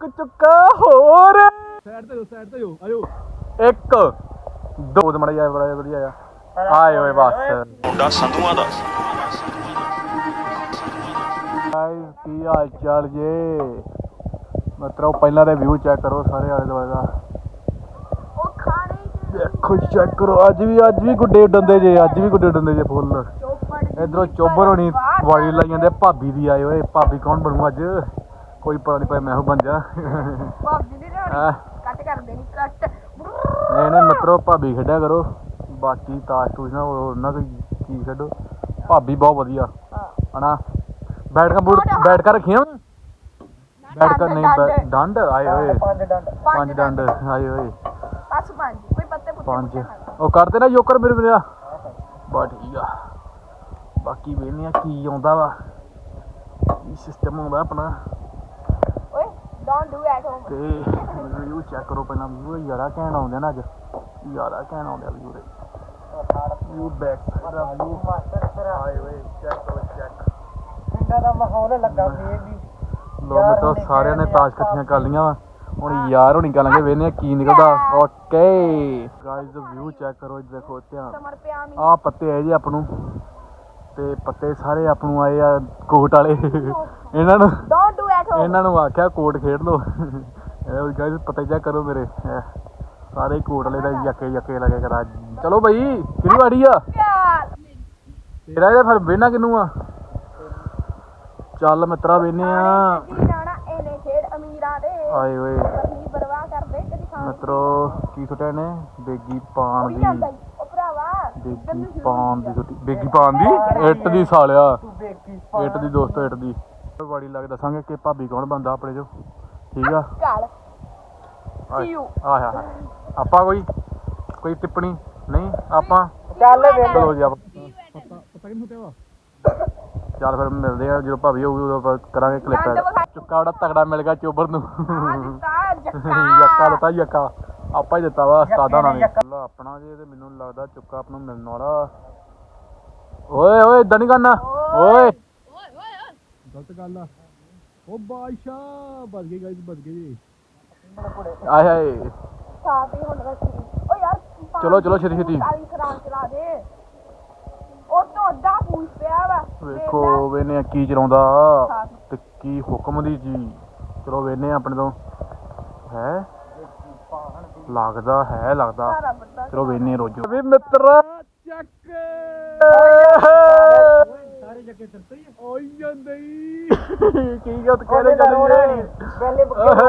ਇੱਕ ਚੁੱਕਾ ਹੋਰ ਸਾਈਡ ਤੇ ਹੋ ਆਇਓ ਇੱਕ ਦੋ ਮੜਾ ਜਾ ਬੜਾ ਵਧੀਆ ਆ ਆਏ ਓਏ ਬਸ ਮੁੰਡਾ ਸੰਧੂਆਂ ਦਾ ਗਾਇਸ ਕੀ ਹਾਲ ਚਾਲ ਜੇ ਮਤਲਬ ਪਹਿਲਾਂ ਦੇ ਵਿਊ ਚੈੱਕ ਕਰੋ ਸਾਰੇ ਆਲੇ ਦੁਆਲੇ ਦਾ ਉਹ ਖਾਣੇ ਦੇਖੋ ਚੈੱਕ ਕਰੋ ਅੱਜ ਵੀ ਗੁੱਡੇ ਡੰਦੇ ਜੇ ਫੁੱਲ ਇਧਰੋਂ ਚੋਬਰ ਹੋਣੀ ਵਾਲੀ ਲਾਈ ਜਾਂਦੇ ਭਾਬੀ ਦੀ ਆਏ ਓਏ ਭਾਬੀ ਕੌਣ ਬਣੂ ਅੱਜ ਕੋਈ ਪਤਾ ਨਹੀਂ ਭਾਈ ਮੈਂ ਉਹ ਬਣ ਜਾ ਭਾਬੀ ਦੀ ਰੋਣੀ ਕੱਟ ਕਰ ਦੇਣੀ ਕੱਟ ਨਹੀਂ ਮਿੱਤਰੋ ਭਾਬੀ ਖੇਡਿਆ ਕਰੋ ਬਾਕੀ ਤਾਸ਼ ਤੂਸ਼ ਨਾ ਉਹਨਾਂ ਕੋਈ ਚੀਜ਼ ਖੇਡੋ ਭਾਬੀ ਬਹੁਤ ਵਧੀਆ ਹਨਾ ਬੈਠ ਕਰ ਰੱਖੀਆਂ ਬੈਠ ਕਰ ਨਹੀਂ ਡੰਡ ਆਏ ਓਏ ਪੰਜ ਡੰਡ ਆਏ ਓਏ ਬਸ ਪੰਜ ਕੋਈ ਪੱਤੇ ਪੁੱਤੇ ਪੰਜ ਉਹ ਕਰਦੇ ਨਾ ਜੋਕਰ ਮੇਰੇ ਮੇਰਾ ਬਾ ਠੀਕ ਆ ਬਾਕੀ ਵੇਖਦੇ ਆ ਕੀ ਆਉਂਦਾ ਵਾ ਕੀ ਸਿਸਟਮ ਆਉਂਦਾ ਆਪਣਾ ਓਏ ਡੋਨਟ ਡੂ ਐਟ ਹੋਮ ਤੇ ਰਿਵਿਊ ਚੈੱਕ ਕਰੋ ਪਹਿਲਾਂ ਵਿਊ ਯਾਰਾ ਕਹਿਣ ਆਉਂਦੇ ਨਾ ਅੱਜ ਯਾਰਾ ਕਹਿਣ ਆਉਂਦੇ ਵਿਊ ਦੇ ਵਿਊ ਬੈਕ ਦਾ ਵਿਊ ਆਏ ਓਏ ਚੈੱਕ ਕਰੋ ਚੈੱਕ ਪਿੰਡਾਂ ਦਾ ਮਾਹੌਲ ਲੱਗਾ ਫੇਰ ਵੀ ਲੋਕ ਤਾਂ ਸਾਰਿਆਂ ਨੇ ਤਾਸ਼ ਇਕੱਠੀਆਂ ਕਰ ਲੀਆਂ ਵਾ ਹੁਣ ਯਾਰ ਹੋਣੀ ਕਰਾਂਗੇ ਵੇਖਦੇ ਆ ਕੀ ਨਿਕਲਦਾ ਓਕੇ ਗਾਇਜ਼ ਵਿਊ ਚੈੱਕ ਕਰੋ ਦੇਖੋ ਧਿਆਨ ਸਮਰ ਪਿਆ ਮੀ ਆ ਪੱਤੇ ਆਏ ਜੀ ਆਪ ਨੂੰ ਤੇ ਪੱਤੇ ਸਾਰੇ ਆਪ ਨੂੰ ਆਏ ਆ ਕੋਟ ਵਾਲੇ ਇਹਨਾਂ ਨੂੰ ਡੋਨਟ ਡੂ ਐਟ ਹੋਮ ਇਹਨਾਂ ਨੂੰ ਆਖਿਆ ਕੋਟ ਖੇਡ ਲੋ ਇਹ ਗਾਇਜ਼ ਪਤਾ ਚੈੱਕ ਕਰੋ ਮੇਰੇ ਸਾਰੇ ਕੋਟ ਵਾਲੇ ਦਾ ਯੱਕੇ ਲਗੇ ਕਰਾ ਚਲੋ ਬਈ ਕਿਹੜੀ ਵਾੜੀ ਆ ਪਿਆਰ ਤੇਰਾ ਇਹਦਾ ਫਿਰ ਵੇਨਾ ਕਿਨੂੰ ਆ ਚੱਲ ਮਿੱਤਰਾ ਵੇਨੇ ਆ ਜੀ ਜਾਣਾ ਇਹਨੇ ਖੇਡ ਅਮੀਰਾਂ ਦੇ ਆਏ ਓਏ ਅਸੀਂ ਪਰਵਾਹ ਕਰਦੇ ਕਦੀ ਖਾਣ ਮਿੱਤਰੋ ਕੀ ਸੁਟਿਆ ਨੇ ਬੇਗੀ ਪਾਣ ਉਹੀ ਦੀ ਜਾਂਦਾ ਈ ਉਹ ਭਰਾਵਾ ਬੇਗੀ ਪਾਣ ਦੀ ਸੁੱਟੀ ਬੇਗੀ ਪਾਣ ਦੀ ਇੱਟ ਦੀ ਸਾਲਿਆ ਤੂੰ ਦੇਖੀ ਇੱਟ ਦੀ ਦੋਸਤੋ ਇੱਟ ਦੀ ਬਾੜੀ ਲੱਗ ਦੱਸਾਂਗੇ ਕਿ ਭਾਬੀ ਕੌਣ ਬੰਦਾ ਆਪਣੇ ਚੋਂ ਠੀਕ ਆ ਚੱਲ ਸੀ ਯੂ ਆਹ ਆਪਾਂ ਕੋਈ ਟਿੱਪਣੀ ਨਹੀਂ ਆਪਾਂ ਚੱਲ ਵੇ ਚਲੋ ਜੀ ਆਪਾਂ ਪਤਾ ਕਿੰਨੂੰ ਤੇ ਵਾ ਚੱਲ ਫਿਰ ਮਿਲਦੇ ਆ ਜਦੋਂ ਭਾਬੀ ਹੋਊਗੀ ਉਦੋਂ ਆਪਾਂ ਕਰਾਂਗੇ ਕਲਿੱਪ ਚੁੱਕਾ ਬੜਾ ਤਗੜਾ ਮਿਲ ਗਿਆ ਚੋਬਰ ਨੂੰ ਯੱਕਾ ਆਪਾਂ ਹੀ ਦਿੱਤਾ ਵਾ ਉਸਤਾਦਾਂ ਨਾਲ ਨੇ ਆਪਣਾ ਜੇ ਤੇ ਮੈਨੂੰ ਲੱਗਦਾ ਚੁੱਕਾ ਆਪ ਨੂੰ ਮਿਲਣ ਵਾਲਾ ਓਏ ਇਦਾਂ ਨਹੀਂ ਕਰਨਾ ਓਏ ਗਲਤ ਗੱਲ ਆ ਉਹ ਬਾਦਸ਼ਾ ਬਚ ਗਏ ਗਾਇਸ ਬਚ ਗਏ ਜੀ ਆਏ ਹਾਏ ਸਾਫ ਹੀ ਹੁਣ ਰੱਖੀ ਓ ਯਾਰ ਚਲੋ ਛੇਤੀ ਕਾਲੀ ਖਰਾਨ ਚਲਾ ਦੇ ਉਹ ਤੋਂ ਅੱਧਾ ਪੂਛ ਪਿਆ ਵਾ ਵੇਖੋ ਵੇਨੇ ਕੀ ਚਲਾਉਂਦਾ ਤੇ ਕੀ ਹੁਕਮ ਦੀ ਜੀ ਚਲੋ ਵੇਨੇ ਆਪਣੇ ਤੋਂ ਹੈ ਲੱਗਦਾ ਚਲੋ ਵੇਨੇ ਰੋਜੋ ਵੀ ਮਿੱਤਰਾ ਚੱਕ ਸਾਰੇ ਜੱਗੇ ਤਰਤੇ ਹੀ ਓਏ ਜਾਂਦੇ ਕੀ ਗੱਲ ਕਹਿ ਰਹੇ ਪਹਿਲੇ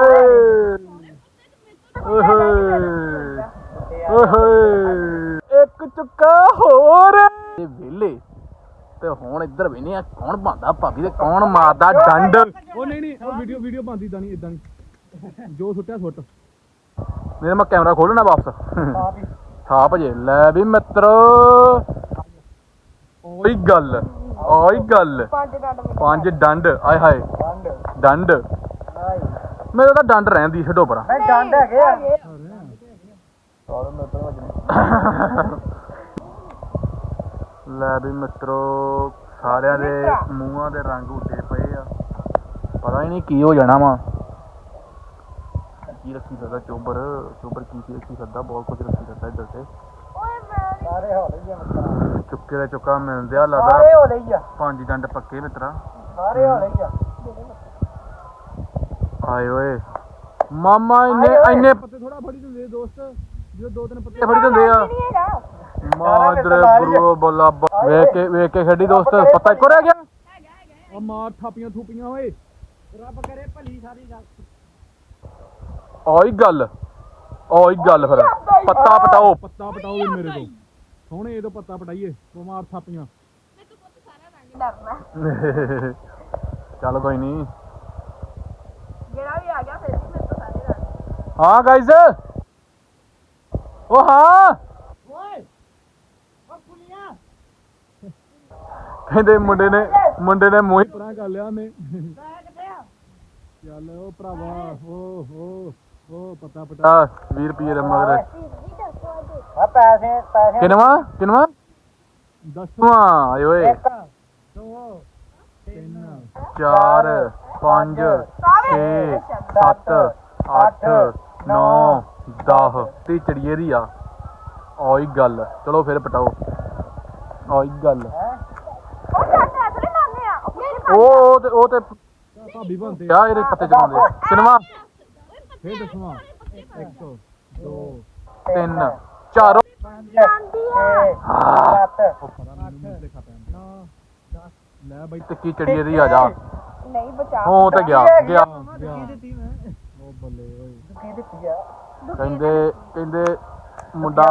ਓਏ ਇੱਕ ਚੁੱਕਾ ਹੋਰ ਇਹ ਵੇਲੇ ਤੇ ਹੁਣ ਇੱਧਰ ਵੇਨੇ ਆ ਕੌਣ ਬੰਦਾ ਭਾਬੀ ਤੇ ਕੌਣ ਮਾਰਦਾ ਡੰਡ ਉਹ ਨਹੀਂ ਉਹ ਵੀਡੀਓ ਬੰਦੀ ਇਦਾਂ ਨਹੀਂ ਜੋ ਸੁੱਟਿਆ ਸੁੱਟ ਮੇਰੇ ਮੈਂ ਕੈਮਰਾ ਖੋਲਣਾ ਵਾਪਸ ਥਾਪ ਜੇ ਲੈ ਵੀ ਮਿੱਤਰ ਓਈ ਗੱਲ ਪੰਜ ਡੰਡ ਆਏ ਹਾਏ ਡੰਡ ਮੇਰੇ ਤਾਂ ਡੰਡ ਰਹਿੰਦੀ ਛੱਡੋ ਪਰਾਂ ਡੰਡ ਹੈਗੇ ਆ ਲੈ ਵੀ ਮਿੱਤਰੋ ਸਾਰਿਆਂ ਦੇ ਮੂੰਹਾਂ ਦੇ ਰੰਗ ਉੱਡੇ ਪਏ ਆ ਪਤਾ ਹੀ ਨਹੀਂ ਕੀ ਹੋ ਜਾਣਾ ਵਾ ਕੀ ਰੱਖੀ ਸਕਦਾ ਚੋਬਰ ਕੀ ਰੱਖੀ ਸਕਦਾ ਬਹੁਤ ਕੁਝ ਰੱਖੀ ਸਕਦਾ ਇੱਧਰ ਤੇ ਓਏ ਮੈਂ ਸਾਰੇ ਹੋ ਰਹੀ ਆ ਚੁੱਕੇ ਦਾ ਚੁੱਕਾ ਮਿਲਦੇ ਆ ਲੱਗਦਾ ਸਾਰੇ ਹੋ ਰਹੀ ਆ ਪੰਜ ਡੰਡ ਪੱਕੇ ਮਿੱਤਰਾ ਸਾਰੇ ਹੋ ਰਹੀ ਆ ਆਏ ਓਏ ਮਾਮਾ ਇੰਨੇ ਪੱਤੇ ਥੋੜਾ ਫੜੀ ਦਿੰਦੇ ਦੋਸਤ ਜੋ ਦੋ ਤਿੰਨ ਪੱਤੇ ਫੜੀ ਦਿੰਦੇ ਆ ਨਹੀਂ ਹੈਗਾ ਮਾਦਰੇ ਬਰੋ ਬੋਲਾ ਵੇਖ ਕੇ ਖੇਡੀ ਦੋਸਤ ਪਤਾ ਇੱਕੋ ਰਹਿ ਗਿਆ ਆ ਮਾਰ ਥਾਪੀਆਂ ਥੂਪੀਆਂ ਓਏ ਰੱਬ ਕਰੇ ਭਲੀ ਸਾਰੀ ਗੱਲ ਓਈ ਗੱਲ ਫਿਰ ਪੱਤਾ ਪਟਾਓ ਵੀ ਮੇਰੇ ਤੋਂ ਸੋਹਣੇ ਇਹਦੋਂ ਪੱਤਾ ਪਟਾਈਏ ਬਿਮਾਰ ਥਾਪੀਆਂ ਡਰਨਾ ਚੱਲ ਕੋਈ ਨਹੀਂ ਜਿਹੜਾ ਵੀ ਆ ਗਿਆ ਫਿਰ ਵੀ ਮੇਰੇ ਤੋਂ ਸਾਰੇ ਡਰਦੇ ਹਾਂ ਗਾਇਜ਼ ਉਹ ਹਾਂ ਓਏ ਓ ਪੁਲੀਆ ਕਹਿੰਦੇ ਮੁੰਡੇ ਨੇ ਮੂੰਹ ਪਰਾਂ ਕਰ ਲਿਆ ਨੇ ਚੱਲ ਉਹ ਭਰਾਵਾ ਉਹ ਪੱਤਾ ਪਟਾ 20 ਰੁਪਏ ਦੇ ਮਗਰ ਆ ਪੈਸੇ ਕਿਨਵਾ ਦੱਸ ਆਏ ਓਏ 2 3 4 5 6 7 8 9 10 ਤੇ ਚੜੀਏ ਦੀ ਆ ਆਈ ਗੱਲ ਚਲੋ ਫਿਰ ਪਟਾਓ ਆਈ ਗੱਲ ਉਹ ਸਾਡੇ ਅਸਲੀ ਨਾਨੇ ਆ ਉਹ ਤੇ ਭਾਬੀ ਬੰਦੇ ਆ ਇਹਦੇ ਪੱਤੇ ਚਲਾਉਂਦੇ ਸਿਨੇਮਾ ਫੇਰ ਦੱਸਵਾ 1 2 3 4 ਜਾਂਦੀ ਆ ਲੈ ਬਾਈ ਟਿੱਕੀ ਚੜੀਏ ਦੀ ਆ ਜਾ ਨਹੀਂ ਬਚਾ ਉਹ ਤੇ ਗਿਆ ਗਿਆ ਉਹ ਬੱਲੇ ਓਏ ਕਹਿੰਦੇ ਮੁੰਡਾ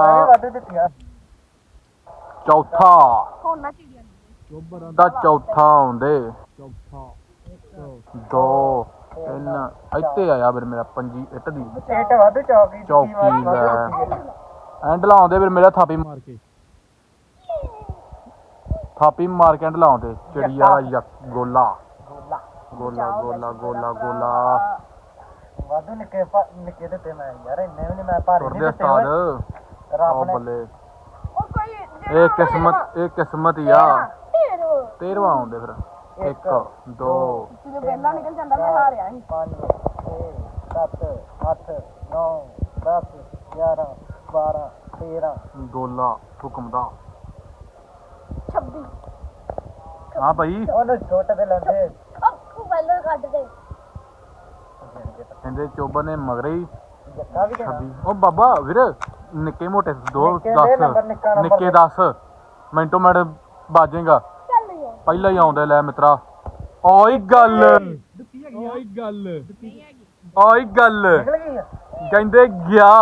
ਚੌਥਾ ਹੁਣ ਨਾ ਚਿੜੀਆਂ ਚੋਬਰ ਦਾ ਚੌਥਾ ਆਉਂਦੇ ਚੌਥਾ 2 3 ਇੱਥੇ ਆਇਆ ਫਿਰ ਮੇਰਾ ਪੰਜੀ ਇੱਟ ਦੀ ਇੱਟ ਵੱਧ ਚੌਕੀ ਚੌਕੀ ਲੈ ਐਂਡ ਲਾਉਂਦੇ ਫਿਰ ਮੇਰਾ ਥਾਪੀ ਮਾਰ ਕੇ ਐਂਡ ਲਾਉਂਦੇ ਚਿੜੀ ਵਾਲਾ ਗੋਲਾ ਗੋਲਾ ਗੋਲਾ ਗੋਲਾ ਗੋਲਾ ਵਾਧੂ ਨਿੱਕੇ ਦਿੱਤੇ ਮੈਂ ਯਾਰ ਇੰਨੇ ਵੀ ਨਹੀਂ ਮੈਂ ਭਾਰੇ ਤੁਰਦੇ ਨਹੀਂ ਦਿੱਤੇ ਓਏ। ਉਸਤਾਦ ਰੱਬ ਉਹ ਨੇ ਬੱਲੇ ਉਹ ਕੋਈ ਇਹ ਕਿਸਮਤ ਹੀ ਆ ਢੇਰ 13ਵਾਂ ਆਉਂਦੇ ਫਿਰ 1 2 ਜਦੋਂ ਪਹਿਲਾਂ ਨਿਕਲ ਜਾਂਦਾ ਮੈਂ ਹਾਰਿਆ ਸੀ 5 6 7 8 9 10 11 12 13 ਗੋਲਾ ਹੁਕਮ ਦਾ 26 ਹਾਂ ਭਾਈ ਉਹਨੂੰ ਛੋਟੇ ਤੇ ਲੈਂਦੇ ਉਹ ਪਹਿਲਾਂ ਕੱਢ ਦੇ ਕਹਿੰਦੇ ਚੋਬਰ ਨੇ ਮਗਰੇ ਹੀ ਜੱਕਾ ਵੀ ਦੇਣਾ 26 ਉਹ ਬਾਬਾ ਵੀਰ ਨਿੱਕੇ ਮੋਟੇ 2 ਨਿੱਕੇ ਦੇ ਨੰਬਰ, ਨਿੱਕਾ 10 ਨੰਬਰ ਨਿੱਕੇ 10 ਮਿੰਟੋ ਮਿੰਟ ਬਾਜੇਗਾ ਚੱਲ ਯਾਰ ਪਹਿਲਾਂ ਹੀ ਆਉਂਦੇ ਲੈ ਮਿੱਤਰਾ ਓਏ ਗੱਲ ਓਏ ਗੱਲ ਓਏ ਗੱਲ ਨਿਕਲ ਗਈ ਆ ਕਹਿੰਦੇ ਗਿਆ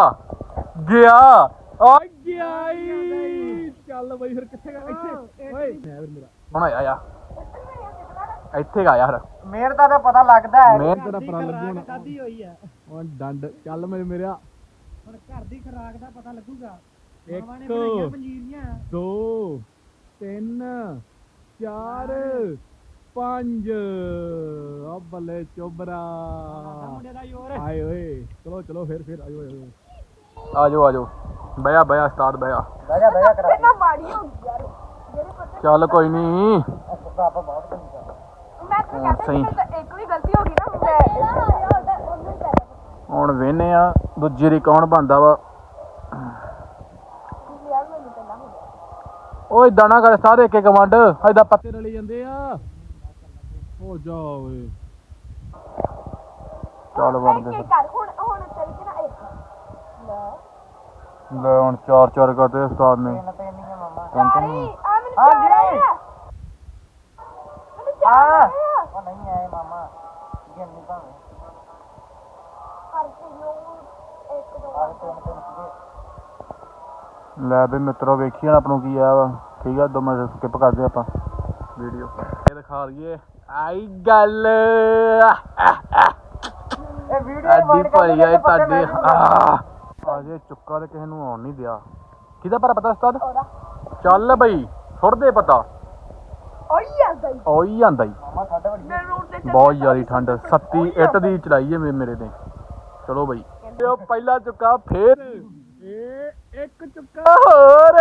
ਓਏ ਗਿਆ ਈ ਚੱਲ ਬਈ ਫਿਰ ਕਿੱਥੇ ਗਾ ਇੱਥੇ ਓਏ ਮੈਂ ਮੇਰਾ ਹੁਣ ਆਇਆ ਇੱਥੇ ਗਾ ਯਾਰ ਮਿਹਨਤ ਦਾ ਤਾਂ ਪਤਾ ਲੱਗਦਾ ਹੈ ਮਿਹਨਤ ਤੇਰਾ ਪਰਾਂ ਲੱਗੂ ਹੁਣ ਖਾਦੀ ਹੋਈ ਆ ਹੁਣ ਡੰਡ ਚੱਲ ਮੇਰਿਆ ਹੁਣ ਘਰ ਦੀ ਖੁਰਾਕ ਦਾ ਪਤਾ ਲੱਗੂਗਾ 1 ਪੰਜੀਰੀਆਂ 2 3 4 5 ਆ ਬੱਲੇ ਚੋਬਰਾ ਮੁੰਡੇ ਦਾ ਯੋਰ ਆਏ ਓਏ ਚਲੋ ਫਿਰ ਆਇਓ ਆਜੋ ਬਿਆ ਉਸਤਾਦ ਬਿਆ ਬਹਿ ਜਾ ਕਰਾ ਪਹਿਲਾਂ ਮਾੜੀ ਹੋ ਗਈ ਯਾਰ ਜਿਹੜੇ ਪਤਾ ਚੱਲ ਕੋਈ ਨਹੀਂ ਪਾਪਾ ਬਹੁਤ ਚੰਗਾ ਮੈਂ ਤਾਂ ਕਹਿੰਦਾ ਸਹੀ। ਕਿ ਤਾਂ ਇੱਕ ਵੀ ਗਲਤੀ ਹੋ ਗਈ ਨਾ ਮੈਂ ਉਹਨੂੰ ਕਹਿ ਹੁਣ ਵੇਨੇ ਆ ਦੂਜੀ ਦੀ ਕੌਣ ਬੰਦਾ ਵਾ ਯਾਰ ਮੈਨੂੰ ਪਹਿਲਾਂ ਹੁੰਦਾ ਓਏ ਇਦਾਂ ਨਾ ਕਰ ਸਾਰੇ ਇੱਕ ਵੰਡ ਏਦਾਂ ਪੱਤੇ ਰਲੀ ਜਾਂਦੇ ਆ ਹੋ ਜਾ ਓਏ ਚੱਲ ਵੰਡਦੇ ਇੱਕ ਕਰ ਹੁਣ ਚੱਲ ਕੇ ਨਾ ਇੱਕ ਲੈ ਲੈ ਹੁਣ 4 ਕਰਦੇ ਉਸਤਾਦ ਨੇ ਤਿੰਨ ਹੀ ਆ ਮਾਮਾ ਚਾਰੀ ਆ ਮੈਨੂੰ ਹਾਂਜੀ। ਚਾਰ ਆਏ ਆ ਮੈਨੂੰ ਚਾਰ ਆ ਆਏ ਆ ਉਹ ਨਹੀਂ ਆਏ ਮਾਮਾ ਗਿਣਨੀ ਭਾਵੇਂ ਹਰ ਚੀਜ਼ ਨੂੰ ਇੱਕ ਦੋ ਆਹ ਤਿੰਨ ਸੀਗੇ ਲੈ ਵੀ ਮਿੱਤਰੋ ਵੇਖੀ ਹੁਣ ਆਪ ਨੂੰ ਕੀ ਆ ਵਾ ਠੀਕ ਆ 2 ਮਿੰਟ ਸਕਿਪ ਕਰਦੇ ਆਪਾਂ ਵੀਡੀਓ ਇਹ ਦਿਖਾ ਦਈਏ ਆਈ ਗੱਲ ਇਹ ਵੀਡੀਓ ਐਡੀ ਭਰੀ ਆ ਤੁਹਾਡੀ ਅਜੇ ਚੁੱਕਾ ਤੇ ਕਿਸੇ ਨੂੰ ਆਉਣ ਨਹੀਂ ਦਿਆ ਕਿਹਦਾ ਪਰ ਪਤਾ ਉਸਤਾਦ ਉਹਦਾ ਚੱਲ ਬਈ ਛੁੱਟਦੇ ਪਤਾ ਓਏ ਆ ਗਈ ਉਹੀ ਜਾਂਦਾ ਈ ਮਾਮਾ ਸਾਡੇ ਵੱਡੀ ਮੈਂ ਰੋਡ ਤੇ ਚੱਲ ਬਹੁਤ ਜ਼ਿਆਦੀ ਠੰਡ ਸੱਤੀ ਇੱਟ ਦੀ ਚੜਾਈ ਹੈ ਮੇਰੇ ਤੇ ਚਲੋ ਬਈ ਉਹ ਪਹਿਲਾ ਚੁੱਕਾ ਫੇਰ ਇਹ ਇੱਕ ਚੁੱਕਾ ਹੋਰ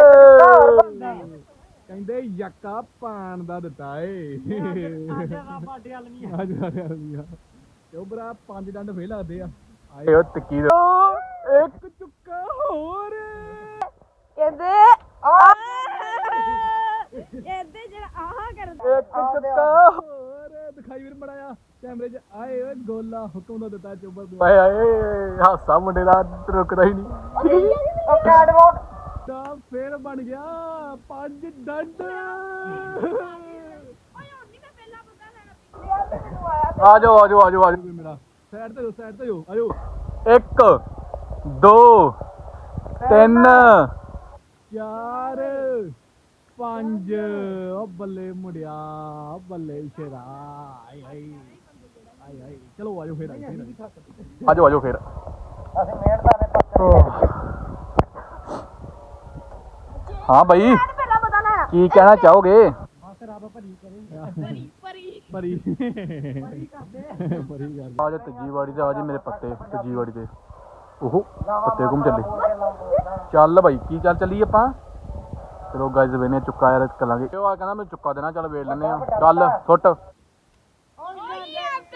ਕਹਿੰਦੇ ਯੱਕਾ ਪਾਣ ਦਾ ਦਿੱਤਾ ਏ ਬਾਡੇ ਵਾਲ ਨਹੀਂ ਆ ਚੋਬਰਾ 5 ਡੰਡ ਫੇਰ ਲੱਗਦੇ ਆ ਇਹ ਉਹ ਟਿੱਕੀ ਦੇ ਇੱਕ ਚੁੱਕਾ ਹੋਰ ਕਹਿੰਦੇ ਇਹਦੇ ਜਿਹੜਾ ਆਹ ਕਰਦਾ ਇੱਕ ਚੁੱਕਾ ਹੋਰ ਦਿਖਾਈ ਵੀਰ ਮੜਾਇਆ ਕੈਮਰੇ 'ਚ ਆਏ ਓਏ ਗੋਲਾ ਹੁਕਮ ਦਾ ਦਿੱਤਾ ਚੋਬਰ ਨੂੰ ਓਏ ਆਏ ਹਾਸਾ ਮੁੰਡੇ ਦਾ ਰੁਕਦਾ ਹੀ ਨਹੀਂ ਉਹ ਕੈਟਵਾਕ ਤਾਂ ਫੇਰ ਬਣ ਗਿਆ 5 ਡੰਡ ਓਏ ਹੁਣ ਨਹੀਂ ਮੈਂ ਪਹਿਲਾਂ ਪਤਾ ਲੈਣਾ ਯਾਰ ਮੈਨੂੰ ਆਇਆ ਆਜੋ ਮੇਰਾ ਸਾਈਡ ਤੇ ਹੋ ਆਜੋ 1 2 3 4 5 ਓ ਬੱਲੇ ਮੁੰਡਿਆ ਬੱਲੇ ਸ਼ੇਰਾ ਆਈ ਚਲੋ ਆਜੋ ਫੇਰ ਆਜੋ ਫੇਰ ਅਸੀਂ ਮਿਹਨਤਾਂ ਨੇ ਪੱਕੇ ਹਾਂ ਬਈ ਮੈਂ ਪਹਿਲਾਂ ਪਤਾ ਲੈਣਾ ਕੀ ਕਹਿਣਾ ਚਾਹੋਗੇ ਬਸ ਰੱਬ ਭਰੀ ਕਰੇ ਪਰੀ ਗੱਲ ਆਜ ਤੀਜੀ ਵਾੜੀ ਤੇ ਆਜੀ ਮੇਰੇ ਪੱਤੇ ਤੀਜੀ ਵਾੜੀ ਤੇ ਉਹ ਪੱਤੇ ਘੁੰਮ ਚੱਲੇ ਚੱਲ ਬਾਈ ਕੀ ਚੱਲੀ ਆਪਾਂ ਚਲੋ ਗਾਇਜ਼ ਵੇਨੇ ਚੁੱਕਾ ਯਾਰ ਕਰਾਂਗੇ ਉਹ ਆ ਕਹਿੰਦਾ ਮੈਂ ਚੁੱਕਾ ਦੇਣਾ ਚੱਲ ਵੇਚ ਲੈਨੇ ਆ ਚੱਲ ਸੁੱਟ ਓਏ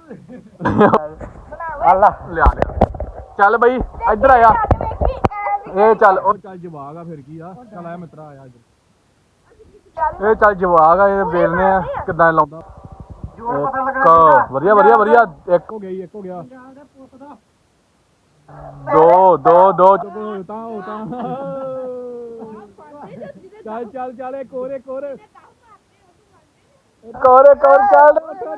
ਅੱਲਾ ਲਿਆ ਚੱਲ ਬਈ ਇੱਧਰ ਆਇਆ ਵੇਖੀ ਇਹ ਚੱਲ ਉਹ ਚੱਲ ਜਵਾਗ ਆ ਫਿਰ ਕੀ ਆ ਚੱਲ ਆਇਆ ਮਿੱਤਰਾ ਆਇਆ ਅੱਜ ਇਹ ਚੱਲ ਜਵਾਗ ਆ ਇਹ ਵੇਲਨੇ ਆ ਕਿੱਦਾਂ ਲਾਉਂਦਾ ਜੋਰ ਪਤਾ ਇੱਕ ਲੱਗਣਾ ਵਧੀਆ ਵਧੀਆ ਵਧੀਆ ਇੱਕ ਹੋ ਗਈ ਇੱਕ ਹੋ ਗਿਆ ਦੋ ਦੋ ਦੋ ਹੋ ਤਾਂ ਚੱਲ ਚੱਲ ਚੱਲ ਇੱਕ ਹੋਰ ਕੋਰੇ ਕੋਰ ਚੱਲ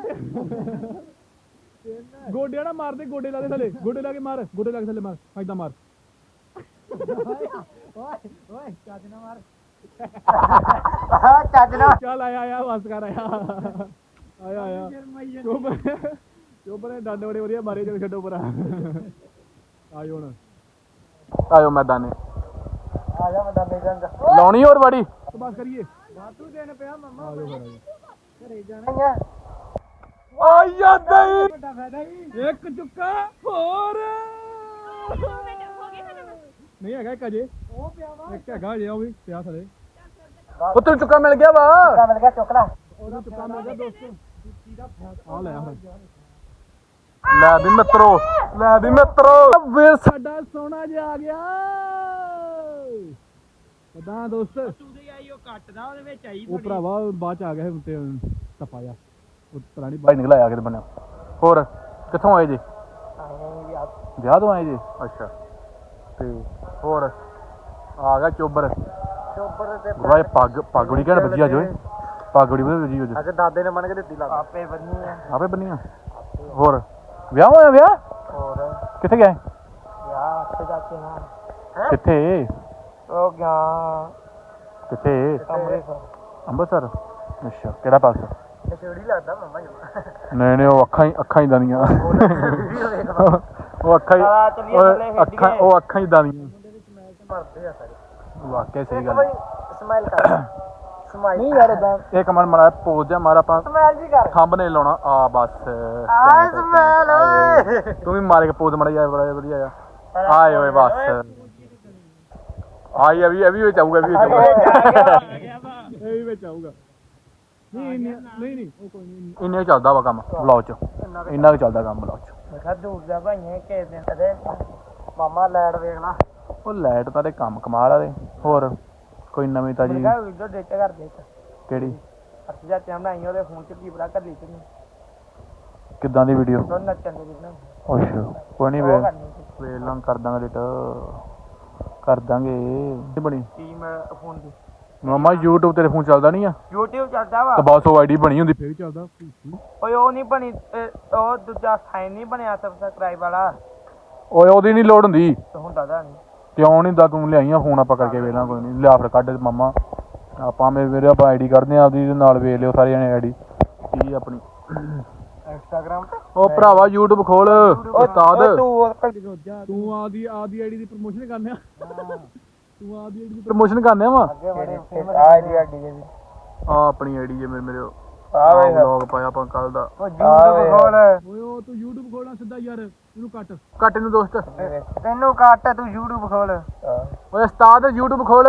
ਗੋਡੇ ਨਾ ਮਾਰਦੇ ਗੋਡੇ ਲਾ ਦੇ ਥੱਲੇ ਗੋਡੇ ਲਾ ਕੇ ਮਾਰ ਗੋਡੇ ਲਾ ਕੇ ਥੱਲੇ ਮਾਰ ਫਾਇਦਾ ਮਾਰ ਓਏ ਚੱਜ ਨਾ ਮਾਰ ਚੱਜ ਨਾ ਚੱਲ ਆਇਆ ਬਸ ਕਰ ਆਇਆ ਚੁੱਪ ਨੇ ਡੰਡ ਬੜੇ ਵਧੀਆ ਮਾਰੇ ਚਲ ਛੱਡੋ ਪਰਾਂ ਆਇਓ ਹੁਣ ਆਇਓ ਮੈਦਾਨੇ ਆ ਜਾ ਮੈਂ ਦੰਦੇ ਜੰਗ ਲਾਉਣੀ ਹੋਰ ਬਾੜੀ ਬਸ ਕਰੀਏ ਵਾਧੂ ਦੇਣ ਪਿਆ ਮਮਾ ਆਜੋ ਫਿਰ ਆਜੋ ਘਰੇ ਜਾਣਾ ਹੀ ਆ ਆਇਆ ਦਈ ਵੱਡਾ ਫਾਇਦਾ ਹੀ ਇੱਕ ਚੁੱਕਾ ਹੋਰ ਹੋ ਗਏ ਨਾ ਨਹੀਂ ਹੈਗਾ ਇੱਕ ਅਜੇ ਉਹ ਪਿਆ ਵਾ ਇੱਕ ਹੈਗਾ ਅਜੇ ਉਹ ਵੀ ਪਿਆ ਥਲੇ ਉੱਤੋਂ ਚੁੱਕਾ ਮਿਲ ਗਿਆ ਵਾ ਮਿਲ ਗਿਆ ਚੁੱਕ ਲੈ ਉਹਦਾ ਚੁੱਕਾ ਮਿਲ ਗਿਆ ਦੋਸਤੋ ਆ ਲੈ ਹੁਣ ਲੈ ਵੀ ਮਿੱਤਰੋ ਵੀਰ ਸਾਡਾ ਸੋਨਾ ਜਿਹਾ ਆ ਗਿਆ ਪਤਾ ਦੋਸਤ ਸੂਦੇ ਆਈ ਉਹ ਕੱਟਦਾ ਉਹਦੇ ਵਿੱਚ ਆਈ ਉਹ ਭਰਾਵਾ ਬਾਅਦ ਚ ਆ ਗਿਆ ਤੇ ਟੱਪਾ ਜਾ ਉਹ ਪਤਾ ਨਹੀਂ ਭਾਈ ਨਿਕਲ ਆਇਆ ਕਿਤੇ ਬਣਿਆ ਹੋਰ ਕਿੱਥੋਂ ਆਏ ਜੀ ਵਿਆਹ ਤੋਂ ਆਏ ਜੀ ਅੱਛਾ ਤੇ ਹੋਰ ਆ ਗਿਆ ਚੋਬਰ ਚੋਬਰ ਤੇ ਭਾਈ ਪੱਗ ਬੜੀ ਘੈਂਟ ਵੱਜੀ ਅੱਜ ਓਏ ਪੱਗ ਬੜੀ ਵਧੀਆ ਵੱਜੀ ਅੱਜ ਅੱਜ ਦਾਦੇ ਨੇ ਮੰਨ ਕੇ ਦਿੱਤੀ ਲੱਗ ਆਪੇ ਬੰਨੀ ਆ ਆਪੇ ਬੰਨੀਆਂ ਹੋਰ ਵਿਆਹ ਹੋਇਆ ਵਿਆਹ ਹੋਰ ਕਿੱਥੇ ਗਏ ਯਾ ਅੱਛੇ ਜਾਤੇ ਨਾ ਕਿੱਥੇ ਉਹ ਗਿਆ ਕਿੱਥੇ ਅੰਮ੍ਰਿਤਸਰ ਅੰਮ੍ਰਿਤਸਰ ਅੱਛਾ ਕਿਹੜਾ ਪਾਸ ਤੇ ਛੋੜੀ ਲੱਗਦਾ ਮਮਾ ਜੀ ਨਹੀਂ ਉਹ ਅੱਖਾਂ ਹੀ ਦਾਨੀਆਂ ਉਹ ਅੱਖਾਂ ਹੀ ਦਾਨੀਆਂ ਮਰਦੇ ਆ ਸਾਰੇ ਵਾਕਿਆ ਸਹੀ ਗੱਲ ਬਈ ਸਮਾਈਲ ਕਰ ਸਮਾਈਲ ਨਹੀਂ ਯਾਰ ਇਦਾਂ ਇੱਕ ਮਿੰਟ ਮੜਾ ਪੋਜ਼ ਜਾ ਮਾਰ ਆਪਾਂ ਸਮਾਈਲ ਜੀ ਕਰ ਥੰਬ ਨੇ ਲਾਉਣਾ ਆ ਬਸ ਆ ਸਮਾਈਲ ਓਏ ਤੂੰ ਵੀ ਮਾਰ ਕੇ ਪੋਜ਼ ਮੜਾ ਯਾਰ ਬੜਾ ਵਧੀਆ ਆ ਆਏ ਓਏ ਬਸ ਆਈ ਇਹ ਵੀ ਵਿੱਚ ਆਊਗਾ ਇਹ ਵੀ ਵਿੱਚ ਆਊਗਾ ਨਹੀਂ ਉਹ ਕੋਈ ਨਹੀਂ ਇੰਨੇ ਕੁ ਚੱਲਦਾ ਵਾ ਕੰਮ ਵਲੌਗ ਚ ਇੰਨਾ ਕੁ ਚੱਲਦਾ ਕੰਮ ਵਲੌਗ ਚ ਮੈਂ ਕਿਹਾ ਦੂਰ ਦਾ ਭਾਈਆਂ ਕਿਸੇ ਦਿਨ ਕਦੇ ਮਾਮਾ ਲੈਟ ਵੇਖ ਲਾ ਉਹ ਲਾਈਟ ਤਾਂ ਦੇ ਕੰਮ ਕਮਾਲ ਆ ਦੇ ਹੋਰ ਕੋਈ ਨਵੀਂ ਤਾਜੀ ਮੈਂ ਕਿਹਾ ਵੀਡੀਓ ਡਿਲੀਟ ਕਰ ਦੇ ਕਿਹੜੀ ਅੱਛਾ ਜਾ ਤੇ ਬਣਾਈ ਉਹਦੇ ਫੋਨ ਚ ਕੀ ਬੜਾ ਕਰ ਲਈ ਤੂੰ ਕਿੱਦਾਂ ਦੀ ਵੀਡੀਓ ਉਹ ਨੱਚਣ ਦੀ ਵੀਡੀਓ ਅੱਛਾ ਕੋਈ ਨਹੀਂ ਉਹ ਕਰਨੀ ਸੀ ਵੇਲਾਂ ਕਰ ਦਾਂਗੇ ਡਿਟ ਕਰ ਦਾਂਗੇ ਨਹੀਂ ਬਣੀ ਟੀਮ ਫੋਨ ਦੀ ਮਾਮਾ YouTube ਤੇਰੇ ਫੋਨ ਚੱਲਦਾ ਨਹੀਂ ਆ YouTube ਚੱਲਦਾ ਵਾ ਤਾਂ ਬਸ ਉਹ ਆਈਡੀ ਬਣੀ ਹੁੰਦੀ ਫੇਰ ਵੀ ਚੱਲਦਾ ਓਏ ਉਹ ਨਹੀਂ ਬਣੀ ਉਹ ਦੂਜਾ ਸਾਈਨ ਨਹੀਂ ਬਣਿਆ ਸਬਸਕ੍ਰਾਈਬ ਵਾਲਾ ਓਏ ਉਹਦੀ ਨਹੀਂ ਲੋੜ ਹੁੰਦੀ ਤੇ ਹੁੰਦਾ ਦਾ ਨਹੀਂ ਕਿਉਂ ਨਹੀਂ ਦਾ ਤੂੰ ਲਿਆਈਆਂ ਫੋਨ ਆਪਾਂ ਕਰਕੇ ਵੇਲਾਂ ਕੋਈ ਨਹੀਂ ਲਿਆ ਫਿਰ ਕੱਢ ਮਾਮਾ ਆਪਾਂ ਮੇਰੇ ਆਪਾਂ ਆਈਡੀ ਕੱਢਦੇ ਆ ਆਪਦੀ ਨਾਲ ਵੇਖ ਲਿਓ ਸਾਰੇ ਜਣੇ ਆਈਡੀ ਕੀ ਆਪਣੀ ਇੰਸਟਾਗ੍ਰਾਮ ਤੇ ਉਹ ਭਰਾਵਾ YouTube ਖੋਲ ਉਸਤਾਦ ਤੂੰ ਆਦੀ ਆਈਡੀ ਦੀ ਪ੍ਰਮੋਸ਼ਨ ਕਰਨਿਆ ਤੂੰ ਆਦੀ ਆਈਡੀ ਦੀ ਪ੍ਰਮੋਸ਼ਨ ਕਰਨੇ ਵਾ ਅੱਗੇ ਬੜੇ ਫੇਮਸ ਆ ਜੀ ਆਡੀ ਦੇ ਆ ਆਪਣੀ ਆਈਡੀ ਜੇ ਮੇਰੇ ਆ ਵੇ ਵਲੌਗ ਪਾਇਆ ਆਪਾਂ ਕੱਲ ਦਾ ਉਹ YouTube ਖੋਲ ਓਏ ਉਹ ਤੂੰ YouTube ਖੋਲਣਾ ਸਿੱਧਾ ਯਾਰ ਇਹਨੂੰ ਕੱਟ ਕੱਟ ਇਹਨੂੰ ਦੋਸਤ ਤੈਨੂੰ ਕੱਟ ਤੂੰ YouTube ਖੋਲ ਓਏ ਉਸਤਾਦ YouTube ਖੋਲ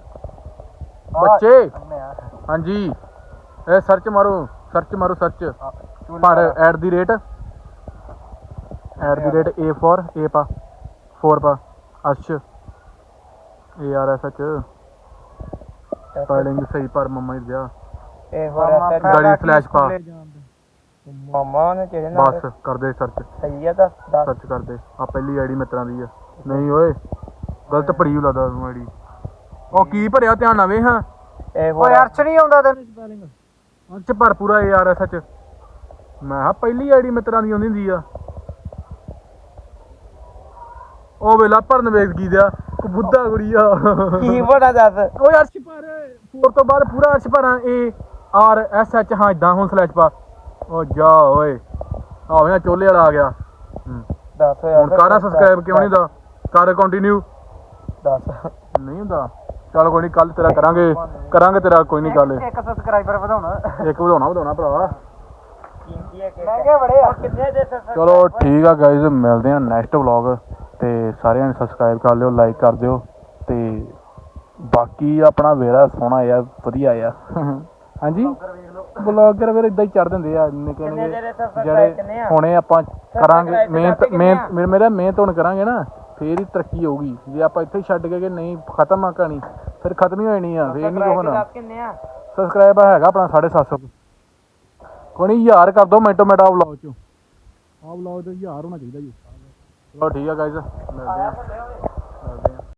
ਬੱਚੇ ਹਾਂਜੀ ਇਹ ਸਰਚ ਮਾਰੋ ਸਰਚ ਪਰ @ A for A ਪਾ 4 ਪਾ ਅਰਸ਼ ARSH ਸਪੈਲਿੰਗ ਸਹੀ ਪਰ ਮੰਮਾ ਹੀ ਦਿਆ ਇਹ ਹੋ ਰਿਹਾ ਗਾੜੀ ਫਲੈਸ਼ ਪਾ ਮਾਮਾ ਨੇ ਕਿਹੜੇ ਨਾਲ ਬਸ ਕਰਦੇ ਸਰਚ ਸਹੀ ਆ ਦੱਸ ਸਰਚ ਕਰਦੇ ਆ ਪਹਿਲੀ ਆਈਡੀ ਮਿੱਤਰਾਂ ਦੀ ਆ ਨਹੀਂ ਓਏ ਗਲਤ ਭਰੀ ਹੋ ਲੱਗਦਾ ਤੂੰ ਆਈਡੀ ਉਹ ਕੀ ਭਰਿਆ ਧਿਆਨ ਨਾਲ ਵੇ ਹਾਂ ਇਹ ਓਏ ਅਰਸ਼ ਨਹੀਂ ਆਉਂਦਾ ਤੈਨੂੰ ਸਪੈਲਿੰਗ ਅੰਚ ਭਰ ਪੂਰਾ ARSH ਮੈਂ ਹਾਂ ਪਹਿਲੀ ਆਈਡੀ ਮਿੱਤਰਾਂ ਦੀ ਆਉਂਦੀ ਹੁੰਦੀ ਆ ਉਹ ਵੇਲਾ ਭਰਨ ਵੇਖ ਕੀ ਦਿਆ ਬੁੱਧਾ ਗੁੜੀਆ ਕੀ ਬੜਾ ਦੱਸ ਓਏ ਅਰਸ਼ ਪਰ 4 ਤੋਂ ਬਾਅਦ ਪੂਰਾ ਅਰਸ਼ ਭਰਾਂ ARSH ਹਾਂ ਇਦਾਂ ਹੁਣ ਸਲੈਸ਼ ਪਾ ਉਹ ਜਾ ਓਏ ਆਵੇਂ ਚੋਲੇ ਵਾਲਾ ਆ ਗਿਆ ਦੱਸ ਹੁਣ ਕਾਰਾ ਸਬਸਕ੍ਰਾਈਬ ਕਿਉਂ ਨਹੀਂ ਦਾ ਕਰ ਕੰਟੀਨਿਊ ਦੱਸ ਨਹੀਂ ਹੁੰਦਾ ਚੱਲ ਕੋਈ ਨਹੀਂ ਕੱਲ ਤੇਰਾ ਕਰਾਂਗੇ ਤੇਰਾ ਕੋਈ ਨਹੀਂ ਗੱਲ ਇੱਕ ਸਬਸਕ੍ਰਾਈਬਰ ਵਧਾਉਣਾ ਇੱਕ ਵਧਾਉਣਾ ਭਰਾ ਕੀਮਤੀ ਹੈ ਮਹਿੰਗੇ ਬੜੇ ਆ ਕਿੰਨੇ ਦੇ ਚਲੋ ਠੀਕ ਆ ਗਾਇਜ਼ ਮਿਲਦੇ ਆ ਨੈਕਸਟ ਵਲੌਗ ਤੇ ਸਾਰਿਆਂ ਨੇ ਸਬਸਕ੍ਰਾਈਬ ਕਰ ਲਿਓ ਲਾਈਕ ਕਰ ਦਿਓ ਤੇ ਬਾਕੀ ਆਪਣਾ ਵੇਰਾ ਸੋਹਣਾ ਆ ਵਧੀਆ ਆ ਹਾਂਜੀ ਬਲੌਗਰ ਫਿਰ ਇਦਾਂ ਹੀ ਚੜ ਦਿੰਦੇ ਆ ਨਿੱਕੇ ਕਿੰਨੇ ਨਿੱਕੇ ਜਿਹੜੇ subscribe ਜਿਹੜੇ ਕਿੰਨੇ ਆ? ਹੁਣੇ ਆਪਾਂ ਕਰਾਂਗੇ subscribe ਮਿਹਨਤ ਕਿੰਨੇ ਆ? ਮੇਰਾ ਮਿਹਨਤ ਹੁਣ ਕਰਾਂਗੇ ਨਾ ਫੇਰ ਹੀ ਤਰੱਕੀ ਹੋਊਗੀ ਜੇ ਆਪਾਂ ਇੱਥੇ ਹੀ ਛੱਡ ਕੇ ਕਿ ਨਹੀਂ ਖਤਮ ਆ ਕਹਾਣੀ ਫਿਰ ਖਤਮ ਹੀ ਹੋਣੀ ਆ ਫੇਰ ਨਹੀਂ ਹੋਣਾ ਦੱਸ ਕਿੰਨੇ ਆ? ਸਬਸਕ੍ਰਾਈਬ ਹੈਗਾ ਆਪਣਾ 750 ਕੋਈ ਨਹੀਂ 1000 ਕਰ ਦੋ ਮਿੰਟੋ ਮਿੰਟ ਆ ਵਲੌਗ ਚ ਆਹ ਵਲੌਗ ਤੇ 1000 ਹੋਣਾ ਚਾਹੀਦਾ ਜੀ ਚਲੋ ਠੀਕ ਆ ਗਾਇਜ਼ ਮਿਲਦੇ ਆ